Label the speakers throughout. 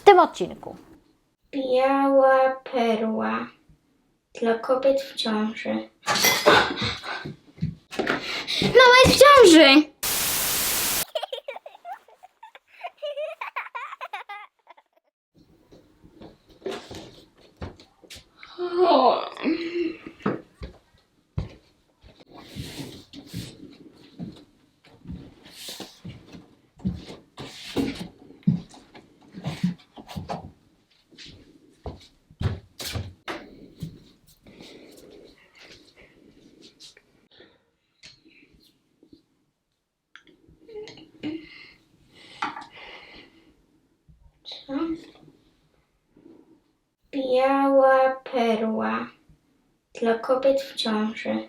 Speaker 1: tym odcinku.
Speaker 2: Biała perła dla kobiet w ciąży.
Speaker 3: Mama jest w ciąży!
Speaker 2: Co? Biała perła dla kobiet w ciąży.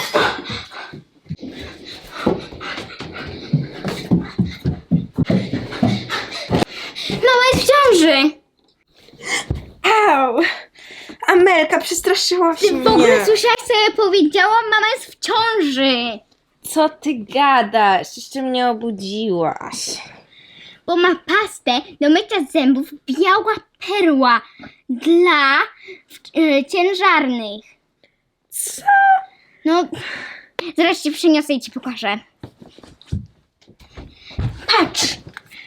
Speaker 3: Mama jest w ciąży!
Speaker 4: Au! Amelka, przestraszyłaś
Speaker 3: Ty
Speaker 4: mnie.
Speaker 3: w ogóle słyszałaś, co ja powiedziałam? Mama jest w ciąży!
Speaker 4: Co ty gadasz? Jeszcze mnie obudziłaś.
Speaker 3: Bo ma pastę do mycia zębów biała perła dla ciężarnych.
Speaker 4: Co?
Speaker 3: No, zaraz ci przyniosę i ci pokażę. Patrz!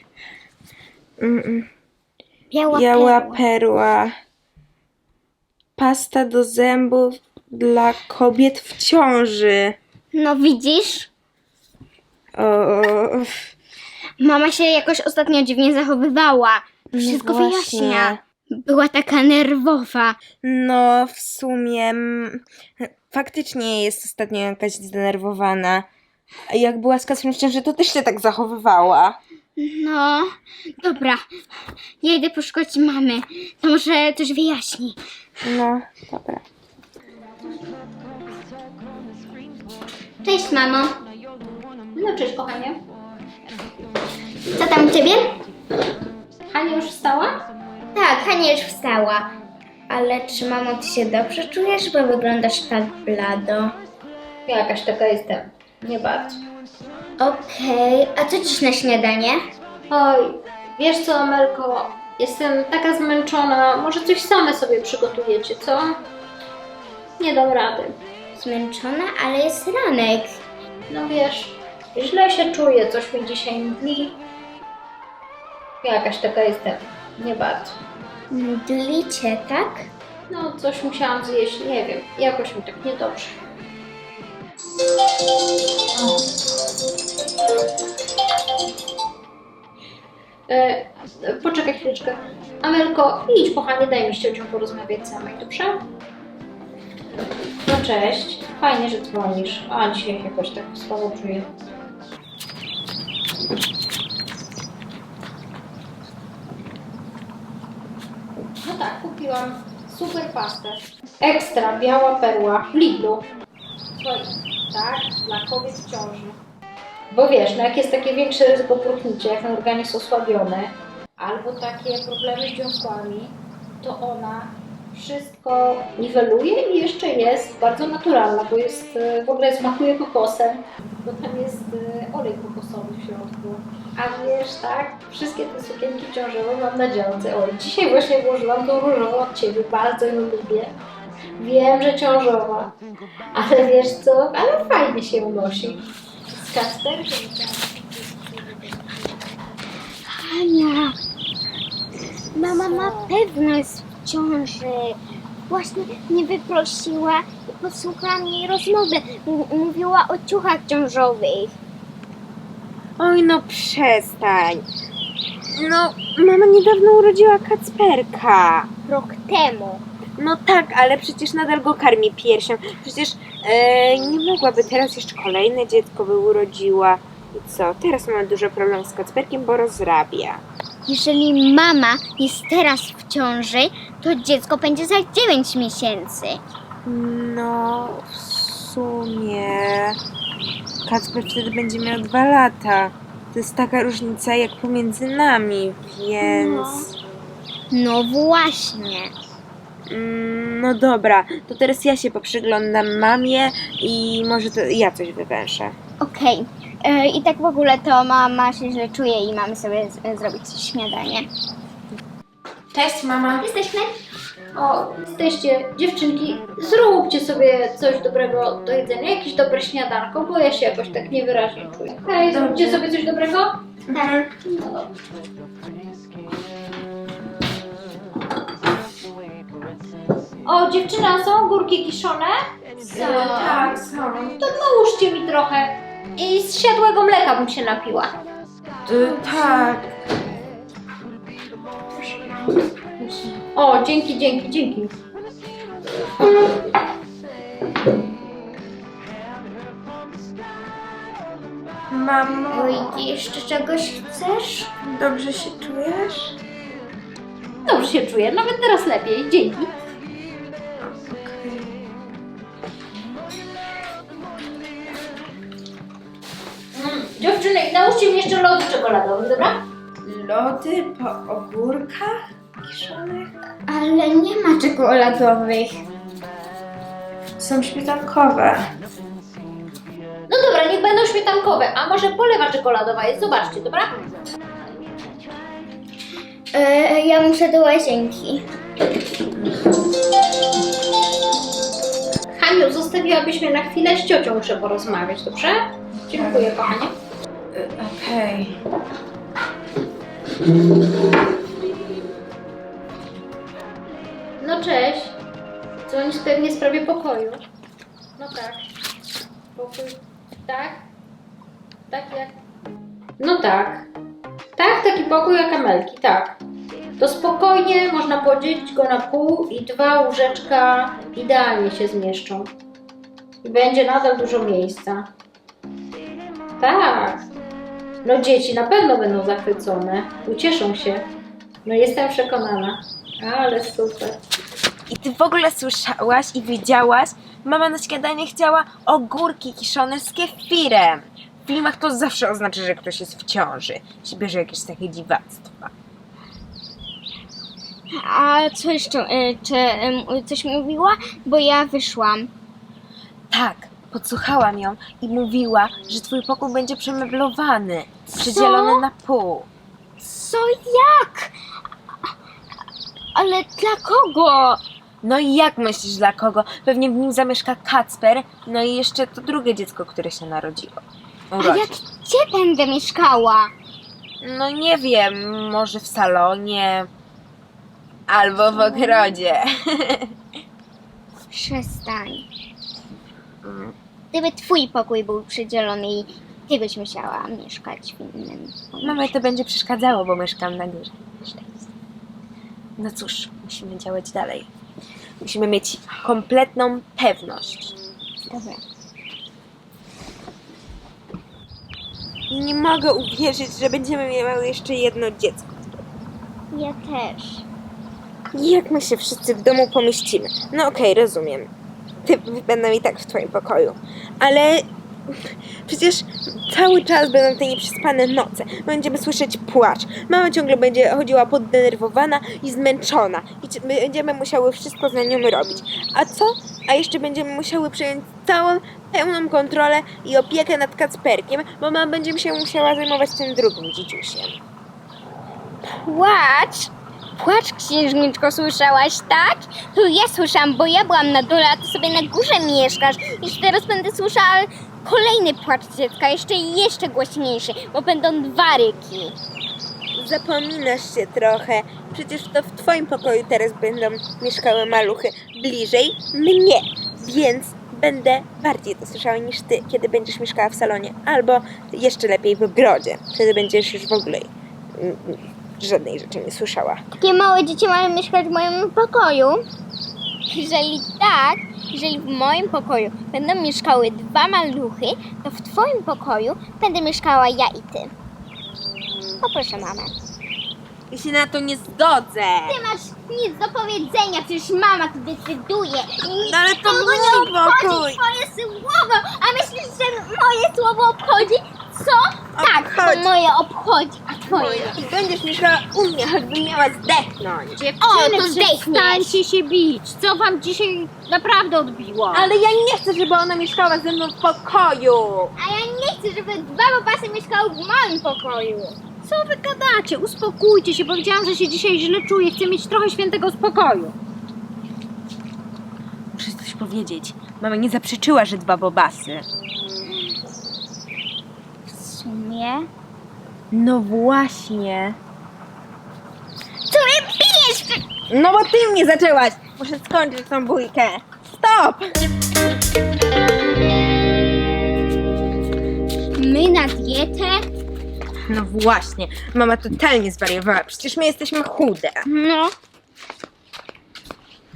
Speaker 4: Biała perła. Pasta do zębów dla kobiet w ciąży.
Speaker 3: No widzisz?
Speaker 4: O,
Speaker 3: Mama się jakoś ostatnio dziwnie zachowywała. Wszystko
Speaker 4: no właśnie.
Speaker 3: wyjaśnia. Była taka nerwowa.
Speaker 4: No, w sumie faktycznie jest ostatnio jakaś zdenerwowana. A jak była z Kacprem w ciąży, to też się tak zachowywała.
Speaker 3: No, dobra. Ja idę poszukać mamy. To może coś wyjaśni.
Speaker 4: No, dobra.
Speaker 3: Cześć, mamo.
Speaker 1: No cześć kochanie.
Speaker 3: Co tam u ciebie?
Speaker 1: Hania już wstała?
Speaker 2: Tak, Hania już wstała. Ale czy mamo, ty się dobrze czujesz, bo wyglądasz tak blado?
Speaker 1: Jakaś taka jestem. Nie bardzo.
Speaker 2: Okej, a co dziś na śniadanie?
Speaker 1: Oj, wiesz co Amelko, jestem taka zmęczona. Może coś same sobie przygotujecie, co? Nie dam rady.
Speaker 2: Zmęczona, ale jest ranek.
Speaker 1: No wiesz, źle się czuję, coś mi dzisiaj mdli. Jakaś taka jestem. Nie bardzo.
Speaker 2: Mdlicie, tak?
Speaker 1: No, coś musiałam zjeść, nie wiem. Jakoś mi tak niedobrze. Poczekaj chwileczkę. Amelko, idź kochanie, daj mi z ciocią porozmawiać samej, dobrze? No cześć, fajnie, że dzwonisz. A dzisiaj jakoś tak słabo czuję. No tak, kupiłam super pastę. Ekstra, biała perła w Lidlu. Słuchaj, tak, dla kobiet w ciąży. Bo wiesz, no jak jest takie większe ryzyko próchnicze, jak ten organizm osłabiony, albo takie problemy z dziąsłami, to ona wszystko niweluje i jeszcze jest bardzo naturalna, bo jest, w ogóle smakuje kokosem, bo tam jest olej kokosowy w środku. A wiesz, tak, wszystkie te sukienki ciążowe mam na działce. Oj, dzisiaj właśnie włożyłam tą różową od Ciebie, bardzo ją lubię. Wiem, że ciążowa, ale wiesz co, ale fajnie się unosi. Z Kacperkiem.
Speaker 3: Hania, mama na pewno jest w ciąży. Właśnie mnie wyprosiła i posłuchałam jej rozmowy. Mówiła o ciuchach ciążowych.
Speaker 4: Oj, no przestań. No, mama niedawno urodziła Kacperka.
Speaker 3: Rok temu.
Speaker 4: No tak, ale przecież nadal go karmi piersią. Przecież nie mogłaby teraz jeszcze kolejne dziecko by urodziła. I co? Teraz mamy duży problem z Kacperkiem, bo rozrabia.
Speaker 3: Jeżeli mama jest teraz w ciąży, to dziecko będzie za 9 miesięcy.
Speaker 4: No, w sumie Kacper wtedy będzie miał 2 lata. To jest taka różnica jak pomiędzy nami, więc...
Speaker 3: No właśnie.
Speaker 4: No dobra, to teraz ja się poprzyglądam mamie i może to ja coś wywęszę.
Speaker 3: Okej. I tak w ogóle to mama się źle czuje i mamy sobie zrobić śniadanie.
Speaker 4: Cześć, mama.
Speaker 3: Jesteśmy?
Speaker 1: O, jesteście, dziewczynki, zróbcie sobie coś dobrego do jedzenia, jakieś dobre śniadanko, bo ja się jakoś tak niewyraźnie czuję. Hej, zróbcie sobie coś dobrego?
Speaker 3: Tak.
Speaker 1: No dobrze. O, dziewczyna, są górki kiszone?
Speaker 4: Tak, są.
Speaker 1: To nałóżcie mi trochę. I z siadłego mleka bym się napiła.
Speaker 4: Tak.
Speaker 1: O, dzięki, dzięki, dzięki.
Speaker 4: Mamo,
Speaker 2: Oj, ty jeszcze czegoś chcesz?
Speaker 4: dobrze się czujesz?
Speaker 1: Dobrze się czuję, nawet teraz lepiej, dzięki. Dziewczyny, nałóżcie mi jeszcze lody czekoladowe, dobra?
Speaker 4: Lody po ogórkach kiszonych?
Speaker 2: Ale nie ma czekoladowych.
Speaker 4: Są śmietankowe.
Speaker 1: No dobra, niech będą śmietankowe, a może polewa czekoladowa jest, zobaczcie, dobra?
Speaker 2: Ja muszę do łazienki.
Speaker 1: Haniu, zostawiłabyś mnie na chwilę, z ciocią muszę porozmawiać, dobrze? Dziękuję, kochanie.
Speaker 4: Okej.
Speaker 1: No cześć. Dzwonisz pewnie w sprawie pokoju. No tak. Pokój. Tak? Tak jak... No tak. Tak, taki pokój jak Amelki, tak. To spokojnie można podzielić go na pół i 2 łóżeczka idealnie się zmieszczą. I będzie nadal dużo miejsca. Tak. No dzieci na pewno będą zachwycone. Ucieszą się. No jestem przekonana. Ale super.
Speaker 4: I ty w ogóle słyszałaś i widziałaś? Mama na śniadanie chciała ogórki kiszone z kefirem. W filmach to zawsze oznacza, że ktoś jest w ciąży. Się bierze jakieś takie dziwactwa.
Speaker 3: A co jeszcze? Czy coś mówiła? Bo ja wyszłam.
Speaker 4: Tak, podsłuchałam ją i mówiła, że twój pokój będzie przemeblowany. Przydzielony na pół.
Speaker 3: Co? Jak? Ale dla kogo?
Speaker 4: No i jak myślisz dla kogo? Pewnie w nim zamieszka Kacper, no i jeszcze to drugie dziecko, które się narodziło.
Speaker 3: A jak gdzie będę mieszkała?
Speaker 4: No nie wiem, może w salonie albo w ogrodzie.
Speaker 3: Przestań. Gdyby twój pokój był przydzielony i ty byś musiała mieszkać w innym pokoju.
Speaker 4: Mamie to będzie przeszkadzało, bo mieszkam na górze. No cóż, musimy działać dalej. Musimy mieć kompletną pewność.
Speaker 3: Dobra.
Speaker 4: I nie mogę uwierzyć, że będziemy miały jeszcze jedno dziecko.
Speaker 3: Ja też.
Speaker 4: Jak my się wszyscy w domu pomieścimy? No okej, rozumiem. Ty będą i tak w twoim pokoju. Ale przecież cały czas będą te nieprzespane noce. Będziemy słyszeć płacz. Mama ciągle będzie chodziła poddenerwowana i zmęczona. I będziemy musiały wszystko za nią robić. A co? A jeszcze będziemy musiały przejąć całą, pełną kontrolę i opiekę nad Kacperkiem, bo mama będzie się musiała zajmować tym drugim dzieciusiem.
Speaker 3: Płacz? Płacz, księżniczko, słyszałaś, tak? To ja słyszałam, bo ja byłam na dole, a ty sobie na górze mieszkasz. Już teraz będę słyszała kolejny płacz dziecka, jeszcze głośniejszy, bo będą 2 ryki.
Speaker 4: Zapominasz się trochę. Przecież to w twoim pokoju teraz będą mieszkały maluchy bliżej mnie, więc będę bardziej to słyszała niż ty, kiedy będziesz mieszkała w salonie, albo jeszcze lepiej w ogrodzie. Wtedy będziesz już w ogóle żadnej rzeczy nie słyszała.
Speaker 3: Takie małe dzieci mają mieszkać w moim pokoju? Jeżeli w moim pokoju będą mieszkały 2 maluchy, to w twoim pokoju będę mieszkała ja i ty. Poproszę mamę.
Speaker 4: Ja się na to nie zgodzę.
Speaker 3: Ty masz nic do powiedzenia, przecież mama tu decyduje. I
Speaker 4: No ale to
Speaker 3: nikogo
Speaker 4: mój
Speaker 3: nie obchodzi
Speaker 4: pokój.
Speaker 3: twoje słowo. A myślisz, że moje słowo obchodzi? Co? Tak,
Speaker 4: Obchodzi.
Speaker 3: to moje obchodzi, a twoje.
Speaker 4: I będziesz mieszkała u mnie, choćbym miała zdechnąć.
Speaker 3: O, to zdechniesz.
Speaker 1: Przestańcie się bić. Co wam dzisiaj naprawdę odbiło?
Speaker 4: Ale ja nie chcę, żeby ona mieszkała ze mną w pokoju.
Speaker 3: A ja nie chcę, żeby 2 babasy mieszkały w moim pokoju.
Speaker 1: Co wy gadacie? Uspokójcie się. Powiedziałam, że się dzisiaj źle czuję. Chcę mieć trochę świętego spokoju.
Speaker 4: Muszę coś powiedzieć. Mama nie zaprzeczyła, że dba bobasy.
Speaker 3: W sumie...
Speaker 4: No właśnie.
Speaker 3: Co mnie bijesz?
Speaker 4: No bo ty mnie zaczęłaś. Muszę skończyć tą bójkę. Stop!
Speaker 3: My na dietę?
Speaker 4: No właśnie. Mama totalnie zwariowała. Przecież my jesteśmy chude.
Speaker 3: No,